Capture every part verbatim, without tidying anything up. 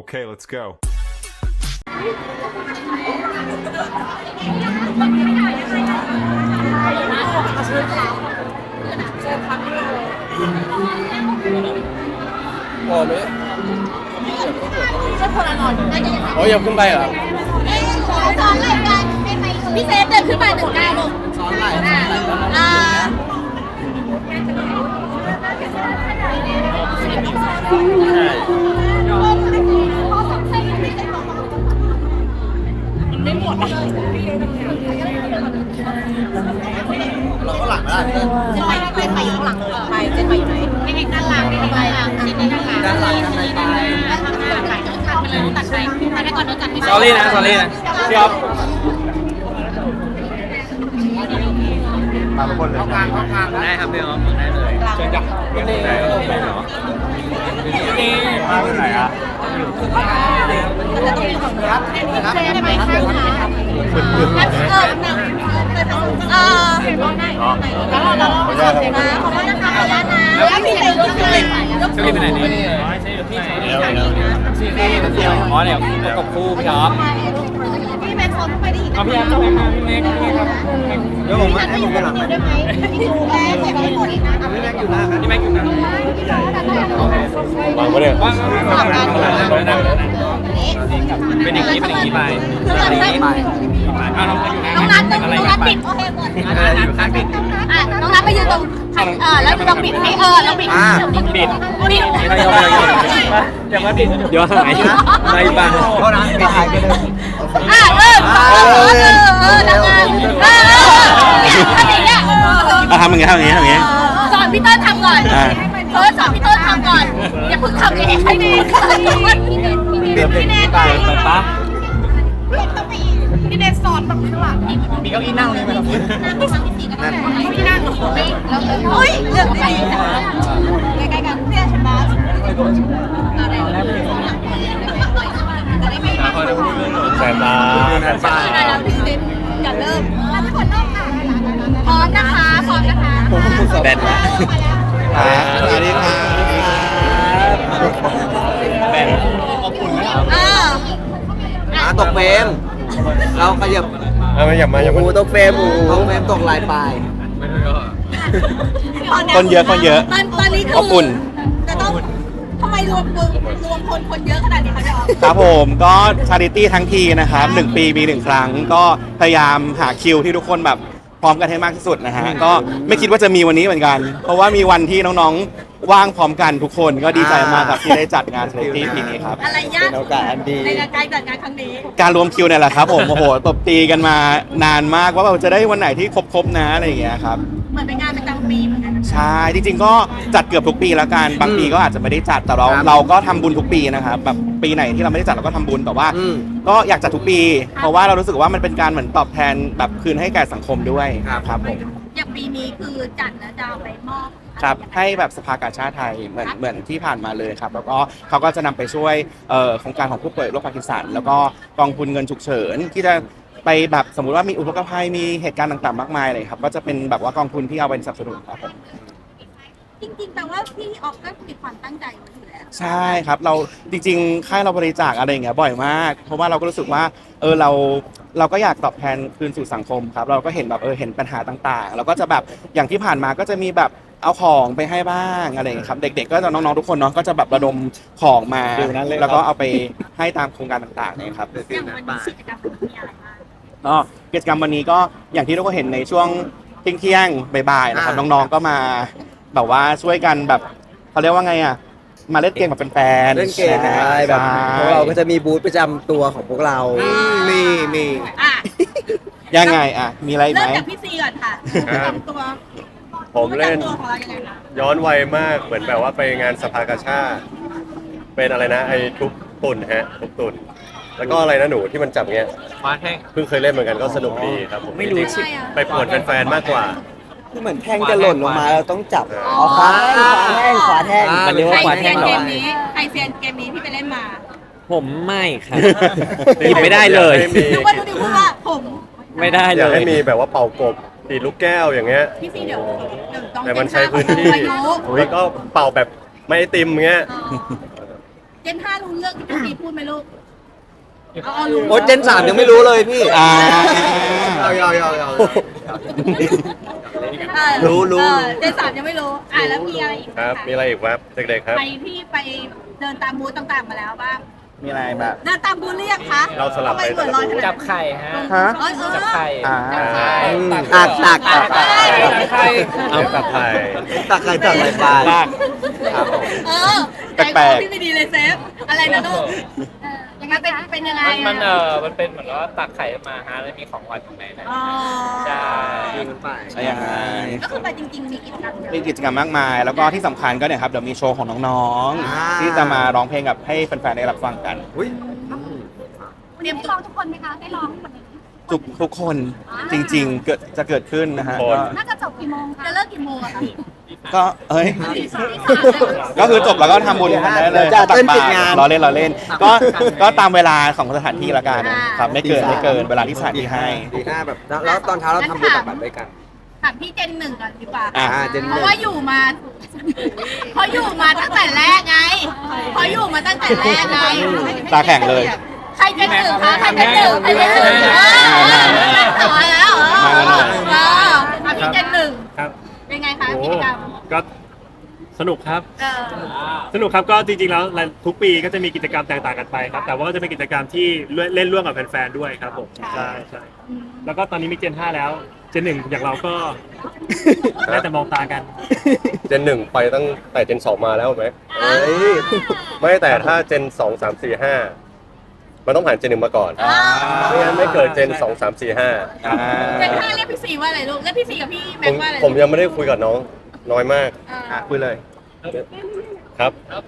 Okay, let's go. พอไหมจะคนละนอนโอ้ยยังขึ้นไปเหรอซ้อนไหล่กันพี่เซฟเดินขึ้นมาหนึ่งก้าวลงซ้อนไหล่อ่าไม่หมดอ่ะเราก็หลังไม่ได้เจนไปเจนไปอยู่ข้างหลังไปเจนไปอยู่ไหนไม่ได้ด้านหลังไม่ได้ด้านหลังชิ้นนี้ด้านหลังด้านหลังด้านหลังด้านหลังด้านหลังตัดไปเลยตัดไปตัดไปก่อนโดนตัดสอรี่นะสอรี่นะพี่อ๊อฟมาทุกคนเลยได้ครับพี่อ๊อฟได้เลยเชิญจ้ะไม่ได้ไม่เหรอมาที่ไหนอ่ะจะต้องมีของรับเซฟไปข้างขาเออเออแล้วเราเราเราขอบคุณนะขอบคุณนะคะขออนุญาตนะแล้วพี่เซฟยกขึ้นเลยยกเชิญไปไหนนี่อ๋อเดี๋ยวประกบคู่พี่อ๊อฟพี่แม็กซ์ซ้อนไปได้อีกเอาพี่อ๊อฟพี่แม็กซ์พี่แม็กซ์พี่ครับเดี๋ยวผมมาให้ผมไปหลังได้ไหมพี่ดูแลใส่ไปหมดอีกนะพี่แม็กซ์อยู่หน้าพี่แม็กซ์อยู่นะวางไว้เลยว่างเป็นอย่างนี้เป็นอย่างนี้ไปเป็นอย่างนี้ไปเอาน้องอยู่น้องนัทน้องนัทปิดโอเคหมดอยู่ข้างปิดอ่ะน้องนัทไปยืนตรงเออแล้วเราปิดให้เออเราปิดปิดปิดเดี๋ยวมาปิดเดี๋ยวหายไม่บังเพราะนะปิดหายไปเลยอ่ะเออเออเออเออดังงานเออเอออะไรเนี่ยเอาทำอย่างงี้ทำอย่างงี้ทำอย่างงี้สอนพี่ต้นทำก่อนเออสอนพี่ต้นทำก่อนอย่าเพิ่งทำเองให้ดีพี่เนทไปเปิดปั๊บพี่เนทสอนแบบข้างหลังมีเก้าอี้นั่งเลยไหมครับนั่งที่สามที่สี่ก็ได้พี่นั่งไม่แล้วเฮ้ยเลือกได้ใกล้ๆกันเพื่อนฉันบ้าอะไรจะได้ไม่มาแสนตาแสนตาอย่าเริ่มทุกคนนอกค่ะพร้อมนะคะพร้อมนะคะแบนละสวัสดีค่ะแบนอบอุ่นไหมครับเอออ่ะตกเฟรมเราขยับเอามาอย่ามาอย่าหมามูตกเฟรมหมูตกเฟรมตกลายปลายคนเยอะคนเยอะตอนตอนนี้คืออบอุ่นจะต้องทำไมรวมรวมรวมคนคนเยอะขนาดนี้คะพี่อ๋อครับผมก็ชาริตี้ทั้งทีนะครับหนึ่งปีมีหนึ่งครั้ง ก็พยายามหาคิวที่ทุกคนแบบพร้อมกันให้มากที่สุดนะฮะก็ไม่คิดว่าจะมีวันนี้เหมือนกัน เพราะว่ามีวันที่น้องๆว่างพร้อมกันทุกคนก็ดีใจมากครับที่ได้จัดงานชาริตี้ปีนี้ครับอะไรยากเป็นโอกาสอันดีในการจัดงานครั้งนี้การรวมคิวเนี่ยแหละครับผมโอ้โหตบตีกันมานานมากว่าเราจะได้วันไหนที่ครบๆนะอะไรอย่างเงี้ยครับเหมือนเป็นงานประจำปีเหมือนกันใช่จริงๆก็จัดเกือบทุกปีแล้วกันบางปีก็อาจจะไม่ได้จัดแต่เราครับเราก็ทำบุญทุกปีนะครับแบบปีไหนที่เราไม่ได้จัดเราก็ทำบุญแต่ว่าอืมก็อยากจัดทุกปี เพราะว่าเรารู้สึกว่ามันเป็นการเหมือนตอบแทนแบบคืนให้แก่สังคมด้วยครับครับผมอย่างปีนี้คือจัดแล้วจะเอาไปมอบครับให้แบบสภากาชาติไทยเหมือนเหมือนที่ผ่านมาเลยครับแล้วก็เขาก็จะนำไปช่วยเอ่อโครงการของผู้ป่วยโรคพาร์กินสันแล้วก็กองทุนเงินฉุกเฉินที่จะไปแบบสมมุติว่ามีอุทกภัยมีเหตุการณ์ต่างๆมากมายเลยครับก็จะเป็นแบบว่ากองทุนที่เอาไปสนับสนุนครับผมจริงๆแต่ว่าพี่ออฟก็มีความตั้งใจไว้อยู่แล้วใช่ครับเราจริงๆค่ายเราบริจาคอะไรอย่างเงี้ยบ่อยมาก เพราะว่าเราก็รู้สึกว่าเออเราเราก็อยากตอบแทนคืนสู่สังคมครับเราก็เห็นแบบเออเห็นปัญหาต่างๆ เราก็จะแบบอย่างที่ผ่านมาก็จะมีแบบเอาของไปให้บ้างอะไรอย่างเงี้ยครับเด็กๆก็จะน้องๆทุกคนเนาะก็จะแบบระดมของมา แล้วก็เอาไปให้ตามโครงการต่างๆเนี่ยครับอย่างวันนี้กิจกรรมมีอะไรบ้างก็กิจกรรมวันนี้ก็อย่างที่ทุกคนเห็นในช่วงเที่ยงๆบ่ายๆนะครับอ่าน้องๆก็มาแบบว่าช่วยกันแบบเขาเรียกว่าไงอ่ะมาเล่นเกมแบบเป็นแฟนเล่นเกมอะไรแบบพวกเราก็จะมีบูธประจำตัวของพวกเรา มีมีอ่ะยังไงอ่ะมีอะไรอีกเริ่ไหมมจากพี่ซีก่อนค่ะประจำตัวผมเล่นประจำตัวของเรายังไงคะย้อนวัยมากเหมือนแบบว่าไปงานสภากาชาติเป็นอะไรนะไอ้ทุบตุ่นฮะทุบตุ่นแล้วก็อะไรนะหนูที่มันจับเงี้ยมาแท่งเพิ่งเคยเล่นเหมือนกันก็สนุกดีครับผมไม่รู้จงๆไปปวดแฟนๆมากกว่าคือเหมือนแท่งจะหล่นลงมาเราต้องจับเอาขวาแท่งขวาแท่งมันเรียกว่าใครขวาเซีแท่ยงนเหรอเกมนี้ใครเซียนเกมนี้ที่ไปเล่นมาผมไม่ครับ หยิบไม่ได้เลยอยากให้มีนึกว่าดูดิพูดว่าผมไม่ได้อเลยยากให้มีแบบว่าเป่ากบตีลูกแก้วอย่างเงี้ยพี่ซีเดี๋ยวเดี๋ยวต้องแต่มันใช้พื้นที่อายุแล้วก็เป่าแบบไม่ไอติมเงี้ยเจนห้ารู้เรื่องที่พี่ซีพูดไหมลูกเอาเอารู้โอ้เจนสามยังไม่รู้เลยพี่อ่าเอาเอาเอาเอาเออรู้รู้เออเจนสามยังไม่รู้อ่ะแล้วมีอะไรอีกครับ มีอะไรอีกครับเด็กๆครับไปที่ไปเดินตามบูธต่างๆมาแล้วบ้างมีอะไรแบบเดินตามบูธหรือยังคะเราสลับไปทำมเหมือนลอยขนาดนั้นจับไข่ฮะฮะเออเออจับไข่อ่าอืมตักตักตักตักไข่เอาตัดไทยตักใครตักอะไรไปลากเออแปลกๆที่ไม่ดีเลยเซฟอะไรนะลูกเออยังไงเป็นเป็นยังไงมันมันเออะอมันเป็นเหมือนว่าตักไข่มาฮะแล้วมีของหวานอยู่ในนั้นอ๋อใช่ใช่ยังไงก็คือไปจริงๆมีกิจกรรมเยอะมีกิจกรรมมากมาย แล้วก็ที่สำคัญก็เนี่ยครับเดี๋ยวมีโชว์ของน้องอ่าๆ ที่จะมาร้องเพลงกับให้แฟนๆได้รับฟังกันอุ้ยเตรียมตัวทุกคนไหมคะได้ร้องวันนี้ทุกทุกคนจริงๆเกิดจะเกิดขึ้นนะฮะคนก็น่าจะจบกี่โมงคะจะเลิกกี่โมงอะคะก็เอ้ยตีสามก็คือจบแล้วก็ทำบุญกันได้เลยจะตักเต้นบาปิตดงานรรอเล่นรอเล่น ก็ก็ตามเวลาของสถานที่ละกันครับไม่เกินไม่เกินเวลาที่สถานที่ให้ดีห้าแบบแล้วแล้วตอนเช้าเราทำบุญตักบาตรด้วยกันถามพี่เจนหนึ่งก่อนดีกว่าอ่ะอ่าเจนหเพนึ่งราะว่าอยู่มาเพราะอยู่มาตั้งแต่แรกไงเพราะอยู่มาตั้งแต่แรกไงตาแข็งเลยใครเจนหนึ่งคะใครเจนหนึ่งใครเจนหนึ่งเออต่อแล้วเหรอมาแล้วหน่อยเอออ่ะพี่เจนหนึ่งครับเป็นไงคะโอ้กิจกรรมก็สนุกครับเออสนุกครับก็จริงๆแล้วทุกปีก็จะมีกิจกรรมแตกต่างกันไปครับ แต่ว่าก็จะเป็นกิจกรรมที่เล่นร่วมกับแฟนๆด้วยครับผมใช่ใช่แล้วก็ตอนนี้มีเจนห้าแล้วเจนหนึ่งอย่างเราก็ได้แต่มองตากันเจนหนึ่งไปตั้งแต่เจนสองมาแล้วไหมเฮ้ยไม่แต่ถ้าเจนสองสามสี่ห้ามันต้องผ่านเจนหนึ่งมาก่อนอ่าไม่งั้นไม่เกิดเจนสองสามสี่ห้าอ่าเจนห้าเรียกพี่สีว่าอะไรลูกเรียกพี่สีกับพี่ผแม็กมว่าอะไรผมยังไม่ได้คุยกับน้องน้อยมากอ่าอ่ะคุยเลยครับ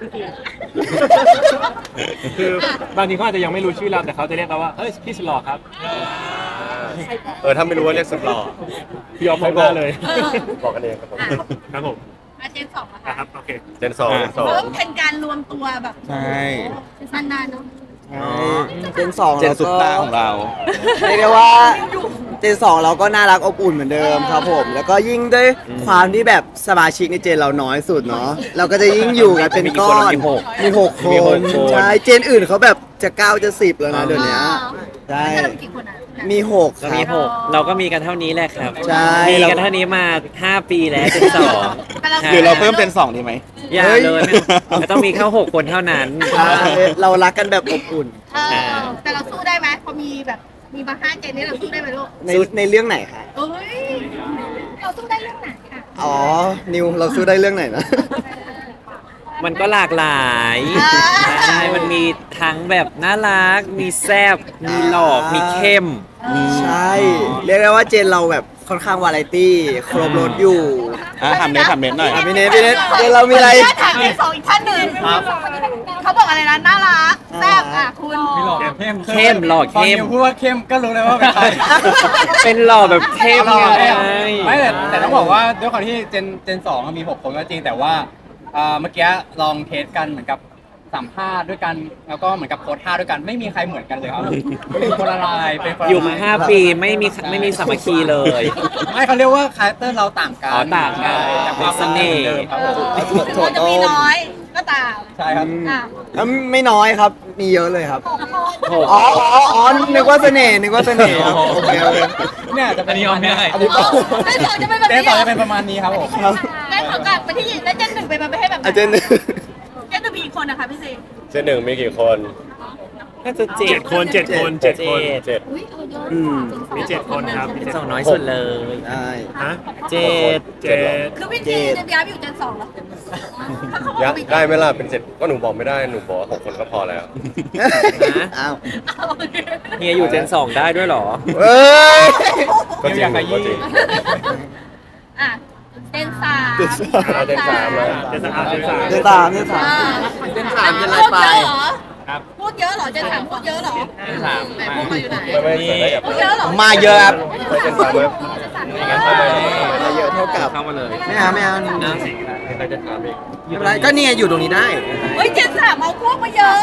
คือบางทีเขาอาจจะยังไม่รู้ชื่อเราแต่เขาจะเรียกเราว่าเฮ้ยพี่สลอครับเออถ้าไม่รู้ว่าเรียกสุดหล่อพี่ยอมมองหน้าเลยบอกกันเองครับผมครับผมอ่ะเจนสองอะอ่ะค่ะครับโอเคเจนสองเจนสองเริ่มเป็นการรวมตัวแบบใช่นานๆเนอะเจนสองเจนสุดตาของเราเรียกได้ว่าเจนสองเราก็น่ารักอบอุ่นเหมือนเดิมครับผม แล้วก็ยิ่งด้วยความที่แบบสมาชิกในเจนเราน้อยสุดเนาะเราก็จะยิ่งอยู่กันเป็นก้อนมีหกมีหกคมีหกนคนใช่เจนอื่นเขาแบบจะเก้าจะสิบแล้วนะเดี๋ยวนี้ใช่แล้วเรามีกี่คนอ่ะมีหกคก็รัมีบหกเราก็มีกันเท่านี้แหละครับใช่มีกันเท่านี้มาห้าปีแล้วจนสองหรือเราเพิ่มเป็นสองดีไหมอย่าเลยไม่ไม่ต้องมีแค่หกคนเท่านั้นใช่เรารักกันแบบอบอุ่นเออแต่เราสู้ได้ไหมพอมีแบบมีมาห้าเจนนี่เราสู้ได้ไหมลูกในในเรื่องไหนคะเอ้ยเราสู้ได้เรื่องไหนค่ะอ๋อ นิวเราสู้ได้เรื่องไหนนะมันก็หลากหลายอ่าใช่มันมีทั้งแบบน่ารัก มีแซบมีหลอก มีเข้มใช่ เรียกได้ว่าเจนเราแบบค่อนข้างวาไรตี้ครบรถอยู่อ่ะทำเน็ตทำเน็ตหน่อยอ่ะพี่เนทพี่เนทเจนเรามีอะไรขออนุญาตถามเจนสองอีกท่านหนึ่งเขาบอกอะไรนะน่ารักแซ่บอ่ะคุณมีหลอกเข้มเข้มหล่อเข้มพอนิวพูดว่าเข้มก็รู้เลยว่าเป็นใครเป็นหล่อแบบเข้มไงไม่แต่แต่ต้องบอกว่าด้วยความที่เจนเจนสองมีหกคนก็จริงแต่ว่าเอ่อเมื่อกี้ลองเทสกันเหมือนกับสัมภาษณ์ด้วยกันแล้วก็เหมือนกับโพสท่าด้วยกันไม่มีใครเหมือนกันเลยครับเป็นคนละลายเป็นคนละลอยู่มาห้าปีไม่มีไม่มีสามัคคีเลยไม่เขาเรียกว่าคาแรคเตอร์เราต่างกันอ๋อต่างกันแต่ความเป็นเสน่ห์หมือเดิมครับผมถึงมันจะมีน้อยก็ตามใช่ครับอ่ะแล้วไม่น้อยครับ มีเยอะเลยครับหกอ๋ออ๋ออ๋อนึกว่าเสน่ห์นึกว่าเสน่ห์ครับโอเคโอเคเนี่ยจะเป็นประมาณนี้อันนี้ต่อเจนสองจะเป็นแบบเจนนี้สองเหรจะเป็นประมาณนี้ครับผมครับเจนสองกลับไปที่แล้วเจนหนึ่งไปมาไปให้แบบไหนอาจารย์เจนหนึ่งมีอีกคนนะคะพี่ซีเจนหนึ่งมีกี่คนน่าจะเจ็เจ็ดดคนเจ็ดคนเจ็ดคนเจ็ดอืมมีเจ็ดคนครับมีเป็นเจ็ดสองน้อยสุดเลยใช่ฮะเจ็ดเจ็ดคือพี่ซีจะย้ายไปอยู่เจนสองแล้วยะได้ไหมล่ะเป็นเจ็ดก็หนูบอกไม่ได้หนูบอกว่าหกคนก็พอแล้วอ้าวเฮียอยู่เจนสองได้ด้วยเหรอเอ้ยก็จริงหนูก็จริงอ่ะเจนสามเอาเจนสามแล้วเจนสามเจนสามเจนสามเจนสามเจนสามจะอะไรไปพูดเยอะเหรอเจนสามพูดเยอะเหรอเจนสามไหนพวกมาอยู่ไหนไม่ไม่ใส่ได้แบบพูดเยอะเหรอมาเยอะครับใส่เจนสามไหมมาเยอะเท่ากับเข้ามาเลยไม่เอาไม่เอาใส่เจนสามอีกไม่เป็นไรก็เนี่ยอยู่ตรงนี้ได้เฮ้ยเจนสามเอาพวกมาเยอะ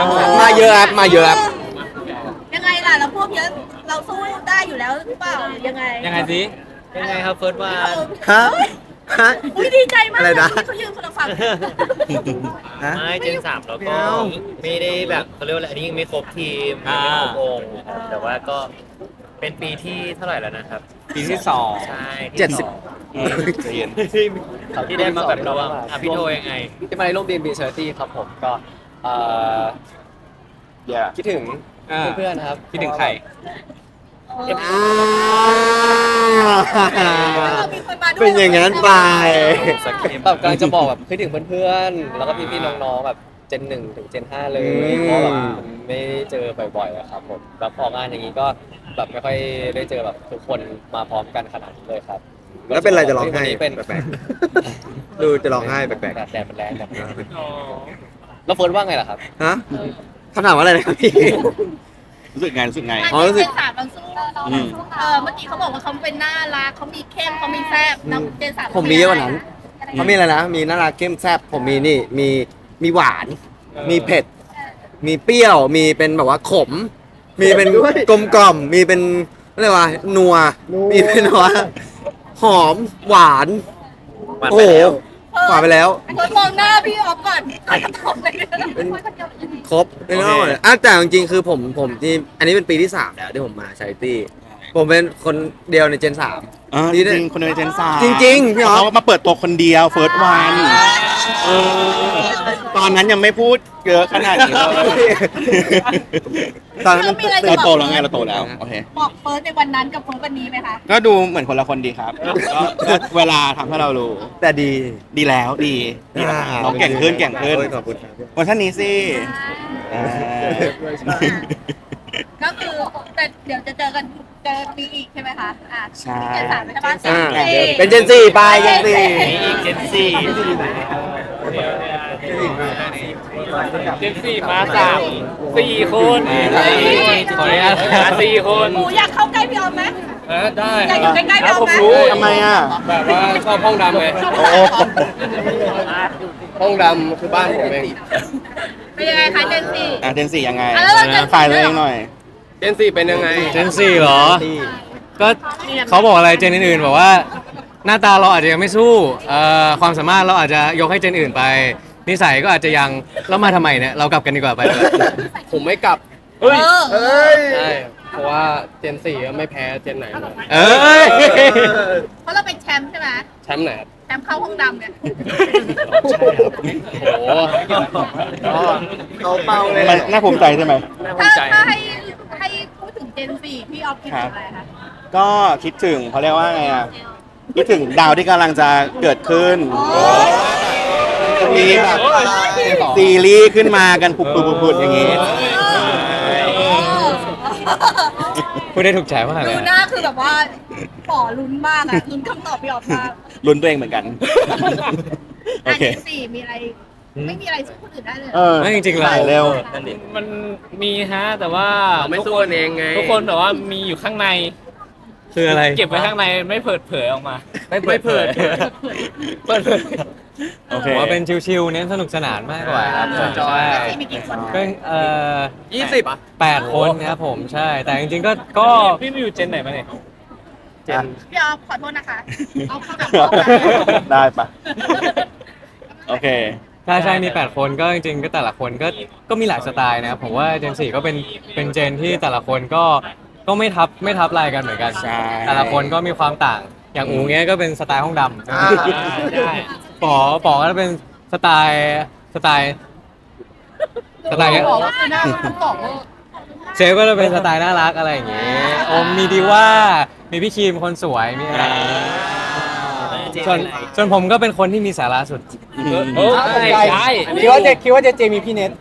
มาเยอะครับมาเยอะครับยังไงล่ะเราพวกเยอะเราสู้ได้อยู่แล้วหรือเปล่ายังไงยังไงสิยังไงครับเฟิร์สวันฮะฮะอุ้ยดีใจมากอะไรนะเขายืนคนละฝั่งฮะไม่เจนสามแล้วก็ไม่เอาไม่ได้แบบเขาเรียกว่าอะไรอันนี้ยังไม่ครบทีมยังไม่ครบวงครับแต่ว่าก็เป็นปีที่เท่าไหร่แล้วนะครับปีที่สองใช่เจ็ดสิบที่สองที่ได้มาแบบร่วมอ่ะพี่โทยังไงที่มาในร่วมดีมบีเชอร์ตี้ครับผมก็เอ่ออย่าคิดถึงเพื่อนๆครับคิดถึงใครเป็นอย่างนั้นไปแบบกำลังจะบอกแบบคิดถึงเพื่อนๆแล้วก็พี่ๆน้องๆแบบเจนหนึ่งถึงเจนห้าเลยอืมเพราะแบบไม่ได้เจอบ่อยๆอะครับผมแล้วพองานอย่างนี้ก็แบบไม่ค่อยได้เจอแบบทุกคนมาพร้อมกันขนาดนี้เลยครับแล้วเป็นไรจะร้องไห้วันนี้เป็นแปลกๆดูจะร้องไห้แปลกแดดแดดมันแรงแบบนี้แล้วเฟิร์นว่าไงล่ะครับๆฮะคำถามว่าอะไรนะครับพี่รู้สึกไงรู้สึกไงอ๋อรู้สึกเจนสามมันสู้อืมเออเมื่อกี้เขาบอกว่าเขาเป็นน่ารักเขามีเข้มเขามีแซ่บน้ำเจนสามผมมีเยอะกว่านั้นเขามีอะไรนะ มีน่ารักเข้มแซ่บผมมีนี่ มีมีหวาน มีเผ็ด มีเปรี้ยว มีเป็นแบบว่าขม มีเป็นกลมกล่อม มีเป็นอะไรวะนัว มีเป็นแบบว่าหอมหวานหวานโอ้ไปโหแล้วหวานไปแล้วคนมองหน้าพี่ออฟก่อนก่อนจะตอบเลยครบไม่ต้องหมดเลยอ่ะแต่จริงๆคือผมผมที่อันนี้เป็นปีที่สามแล้วที่ผมมาชาริตี้ ผมเป็นคนเดียวในเจนสามอ่าจนี่ได้ริงๆคนในเจนสามจริงๆพี่อ๊อฟเขามาเปิดตัวคนเดียวเฟิร์สวันตอนนั้นยังไม่พูดเยอะขนาดนี้เลยตอนนั้นมันเราโตแล้วไงเราโตแล้วโอเคบอกเฟิร์สในวันนั้นกับเฟิร์สวันนี้ไหมคะก็ดูเหมือนคนละคนดีครับก็ก็เวลาทำให้เรารู้แต่ดีดีแล้วดีดีแล้วน้องเก่งขึ้นเก่งขึ้นโอ้ยขอบคุณครับเวอร์ชันนี้สิอ่าก็คือแต่เดี๋ยวจะเจอกันเจอปีอีกใช่ไหมคะอ่ะใช่เจนสามใช่ไหมอ่าเจเป็นเจนสี่ไปเจนสี่มีอีกเจนสี่เจนสี่มาสามสี่คนขออนุญาตมาสี่คนหมูอยากเข้าใกล้พี่ออฟไหมเออได้อยากอยู่ใกล้ๆพี่ออฟไหมทำไมอ่ะแบบว่าชอบห้องดำไงโอ้ห้องดำคือบ้านผมเองเป็นยังไงคะเจนสี่อ่ะเจนสี่ยังไงอ่ะแล้วเราเจนสี่ฝ่ายตัวเองหน่อยเจนสี่เป็นยังไงเจนสี่เหรอ ก็เขาบอกอะไรเจนอื่นๆบอกว่าหน้าตาเราอาจจะยังไม่สู้เอ่อความสามารถเราอาจจะยกให้เจนอื่นไป นิสัยก็อาจจะยังแล้วมาทำไมเนี่ยเรากลับกันดีกว่าไป ผมไม่กลับเออเอ้ยใช่เพราะว่าเจนสี่ก็ไม่แพ้เจนไหนเลยเอ้ยเพราะเราเป็นแชมป์ใช่ไหมแชมป์ไหนครับแชมป์เข้าห้องดำเนี่ยโอ้โหเขาเป้าเลยมันน่าภูมิใจใช่ไหมถ้าถ้าให้ให้พูดถึงเจนสี่พี่ออฟคิดถึงอะไรคะก็คิดถึงเขาเรียกว่าไงอ่ะคิดถึงดาวที่กำลังจะเกิดขึ้นจะมีแบบซีรีส์ขึ้นมากันปุบปุบปุบปุบอย่างงี้พูดได้ถูกใจมากเลดูยหน้าคือแบบว่าป่อลุ้นมากอะลุ้นคำตอบพี่ออฟมากลุ้นตัวเองเหมือนกัน โออันเคที่สี่มีอะไร ไม่มีอะไรสู้คนอื่นได้เลยเออไม่จริงๆเราถ่ายเร็วมันมีฮะแต่ว่าเราไม่สู้กันเองไงทุกคนแต่ว่ามีอยู่ข้างในคืออะไรเก็บไว้ข้างในไม่เปิดเผยออกมาไม่เปิดเผยเปิดเผยโอเคผมว่าเป็นชิวๆเน้นสนุกสนานมากกว่าครับจอยใช่สี่มีกี่คนก็เอ่อยี่สิบแปดคนครับผมใช่ แต่จริงๆก็ก็พี่มีอยู่เจนไหนมาเนี่ยเจนพี่ออฟขอโทษนะคะ เอาเข้าแบบได้ปะโอเคใช่ใช่มี แปด คนก็จริงๆก็แต่ละคนก็ก็มีหลายสไตล์นะครับผมว่าเจนสี่ก็เป็นเป็นเจนที่แต่ละคนก็ก็ไม่ทับไม่ทับลายกันเหมือนกันใช่แต่ละคนก็มีความต่าง อย่างอูเงี้ยก็เป็นสไตล์ห้องดำอ่าใช่ป๋อป๋อก็เป็นสไตล์สไตล์สไตล์บอกว่าคือหน้าต้องบอกว่าเซฟก็จะเป็นสไตล์น่ารักอะไรอย่างเงี้ยโอมมีดีว่ามีพี่คีมคนสวยมีอะไรอย่างเงี้ยส่วนส่วนผมก็เป็นคนที่มีสาระสุดโอ้ใช่ใช่คิดว่าเจคิดว่าเจเจมีพี่เน็ต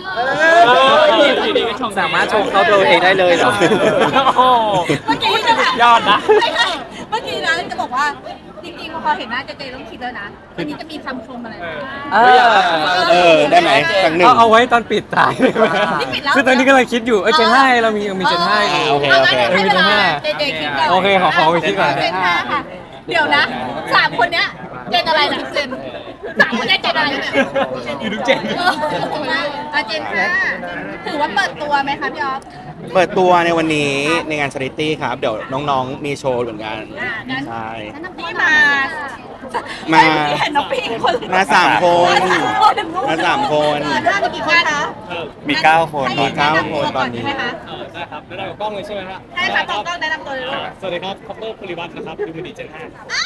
สามารถชมเขาตัวเองได้เลยเหรอโอ้เมื่อกี้จะถามยอดนะไม่ใช่เมื่อกี้นะจะบอกว่า จริงๆพอเห็นหน้าเจเจต้องคิดแล้วนะวันนี้จะมีคำชมอะไรเออ ได้ไหมสักหนึ่งเอาเอาไว้ตอนปิดท้ายได้ไหมนี่ปิดแล้วคือตอนนี้กำลังคิดอยู่เออเจนห้าเรามีมีเจนห้าอยู่โอเคโอเคให้เวลาเจเจคิดก่อนโอเคขอขอไปคิดก่อนเจนห้าค่ะ เดี๋ยวนะสามคนเนี้ยเจนอะไรนะเจนสามคนได้เจนอะไรเนี่ยอยู่ทุกเจนเอออาเจนห้าถือว่าเปิดตัวไหมคะพี่ออฟเปิดตัวในวันนี้ในงานชาริตี้ครับ เดี๋ยวน้องๆมีโชว์เหมือนกันอ่างั้นใช่นี่มามาเห็นน้องปีคนมาสามคน มาสามคนเออถ้ามีกี่คนคะมีเก้าคนให้มีเก้าแะำคนตัวตอนนี้ใช่ไหมคะเออใช่ครับแล้วเรากล้องเลยใช่ไหมฮะใช่ค่ะต้องต้องแนะนำตัวเลยลูกสวัสดีครับคอปเตอร์ภูริวัฒน์นะครับดูมันดีเจนห้า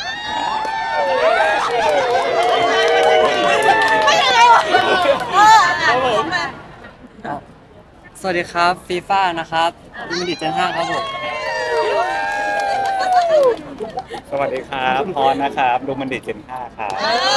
ไม่ยังไงวะเอออ่ะผมมาสวัสดีครับฟีฟ่านะครับดิมิดิเจนห้าครับผมสวัสดีครับพรนะครับดูมันดีเจนห้าครับ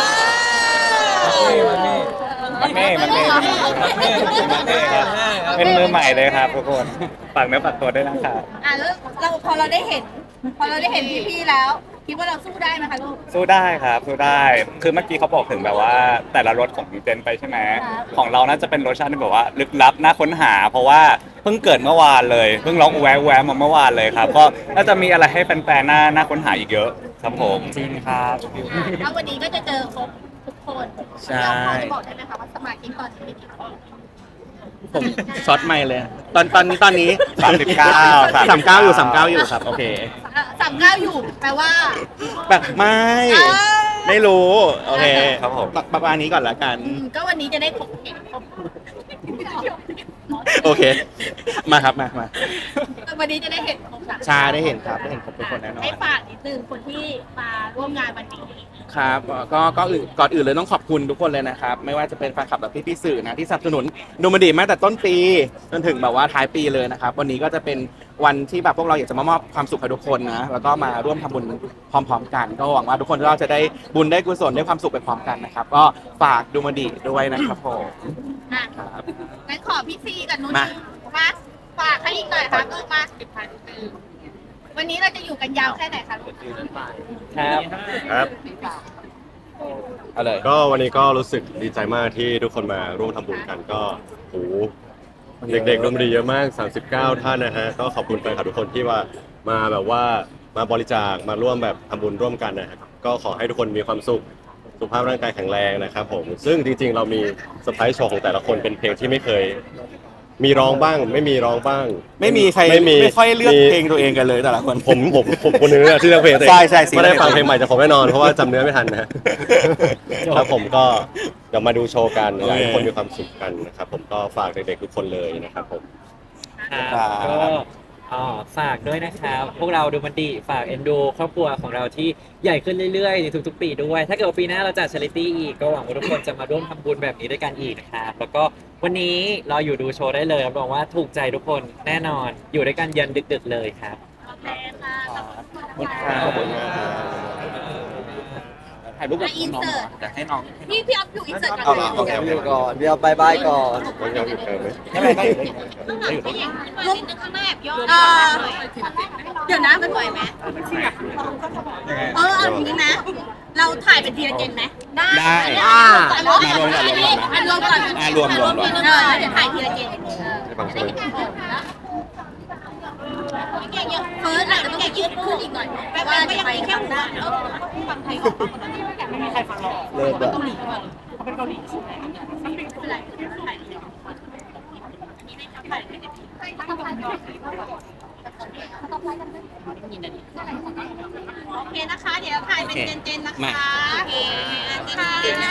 มันเม่มันเม่มันเม่มันเม่มันเม่ครับเป็นมือใหม่เลยครับทุกคนฝากเนื้อฝากตัวด้วยนะครับอ่ะแล้วเราพอเราได้เห็น พอเราได้เห็นพี่ๆแล้ว คิดว่าเราสู้ได้ไหมคะลูกสู้ได้ครับสู้ได้ คือเมื่อกี้เขาบอกถึงแบบว่าแต่ละรสของเจนไปใช่ไหมครับของเราน่าจะเป็นรสชาติที่แบบว่าลึกลับน่าค้นหา เพราะว่าเพิ่งเกิดเมื่อวานเลยเพิ่งร้องแวะแวะมาเมื่อวานเลยครับก็น่าจะมีอะไรให้แฟนๆน่าน่าค้นหาอีกเยอะครับผมจริงครับแล้ววันนี้ก็จะเจอครบทุกคนใช่พอจะบอกได้ไหมคะว่าสมาชิกตอนนี้มีกี่คนผมช็อตไม่เลย ตอนตอนนี้ตอนนี้สามสิบเก้าสามเก้าอยู่สามเก้าอยู่ครับ โอเคสามเก้าอยู่แปลว่าแบบไม่เอ้ยไม่รู้ โอเคครับผมประมาณนี้ก่อนละกันอืมก็วันนี้จะได้ครบเห็นครบโอเค มาครับมามาวันนี้จะได้เห็นครบสามชาได้เห็นครับได้เห็นครบทุกคนแน่นอนให้ฝากนิดนึงคนที่มาร่วมงานวันนี้ครับก็ก็อื่นก่อนอื่นเลยต้องขอบคุณทุกคนเลยนะครับ ไม่ว่าจะเป็นแฟนคลับและพี่ๆสื่อนะที่สนับสนุนดูมันดีมาตั้งแต่ต้นปีจนถึงแบบว่าท้ายปีเลยนะครับ วันนี้ก็จะเป็นวันที่แบบพวกเราอยากจะมามอบความสุขให้ทุกคนนะแล้วก็มาร่วมทำบุญพร้อม ๆ กัน ก็หวังว่าทุกคนเราจะได้บุญได้กุศลได้ความสุขไปพร้อมกันนะครับ ก็ฝากดูมันดีด้วยนะครับผมอ่ะครับงั้นขอพี่ซีกับนุ้นมามาฝากให้อีกหน่อยครับลูกมาวันนี้เราจะอยู่กันยาวแค่ไหนคะลูกครับครับเอาเลยก็วันนี้ก็รู้สึกดีใจมากที่ทุกคนมาร่วมทำบุญกันก็โอ้โหเด็กๆดนตรีเยอะมาก สามสิบเก้า ท่านนะฮะก็ขอบคุณแฟนคลับทุกคนที่ว่ามาแบบว่ามาบริจาคมาร่วมแบบทำบุญร่วมกันนะครับก็ขอให้ทุกคนมีความสุขสุขภาพร่างกายแข็งแรงนะครับผมซึ่งจริงๆ เรามีเซอร์ไพรส์โชว์ของแต่ละคนเป็นเพลงที่ไม่เคย มีร้องบ้าง ไม่มีร้องบ้างไม่มีใครไม่มีไม่ค่อยเลือกมีเพลงตัวเองกันเลยแต่ละคนผมผมผมคนนึงอะที่เลือกเพลงตัวเองใช่ใช่สิไม่ได้ฟังเพลงใหม่จากผมแน่นอนเพราะว่าจำเนื้อไม่ทันนะ ครับผมก็เดี๋ยวมาดูโชว์กันอยากให้ทุกคนมีความสุขกันนะครับผมก็ฝากเด็กๆทุกคนเลยนะครับผมครับก็อ๋อฝากด้วยนะครับ พวกเราดูมันดีฝากเอ็นดูครอบครัวของเราที่ใหญ่ขึ้นเรื่อยๆในทุกๆปีด้วย ถ้าเกิดว่าปีหน้าเราจัดชาริตี้อีกก็หวังว่าทุกคนจะมาร่วมทำบุญแบบนี้ด้วยกันอีกนะครับแล้วก็วันนี้เราอยู่ดูโชว์ได้เลยรับรองว่าถูกใจทุกคนแน่นอนอยู่ด้วยกันยันดึกๆเลยครับโอเคค่ะขอบคุณขอบคุณมากครับ ถ่ายรูปกับอ่ะอินน้องเสิร์ตแต่ให้น้องพี่พี่อ๊อฟอยู่อินเสิร์ตเอาก่อนโอเคอยู่ก่อนเดี๋ยวบายบายก่อนยังยังอยู่เกินไหมไม่เป็นไรได้อยู่ได้อยู่ลุกข้างหน้าแบบย่อเออเดี๋ยวนะมันไหวไหมเออเอาอย่างนี้นะ เราถ่ายเป็นทีละเจนไหมได้ได้อ่ารวมก่อนรวมก่อนอันรวมก่อนอ่ารวมรวมรวมเออเดี๋ยวถ่ายทีละเจนให้ฟังใช่ไหมเก่งเยอะเฟิร์สอาจจะต้องยืดขึ้นอีกหน่อยแปลว่าจะไปแค่หัวแล้วฟังไทยก่อนไม่มีใครฟังเราเลิกแบบเกาหลีก่อนเขาเป็นเกาหลีใช่ไหมไม่เป็นไรถ่ายดีโอเคนะคะ เดี๋ยวถ่ายเป็นเจนๆนะคะโอเคค่ะ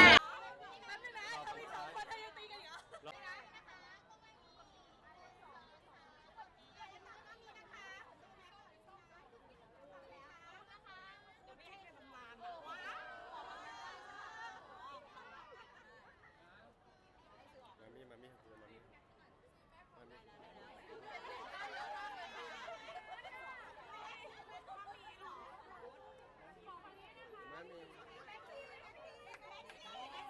มามี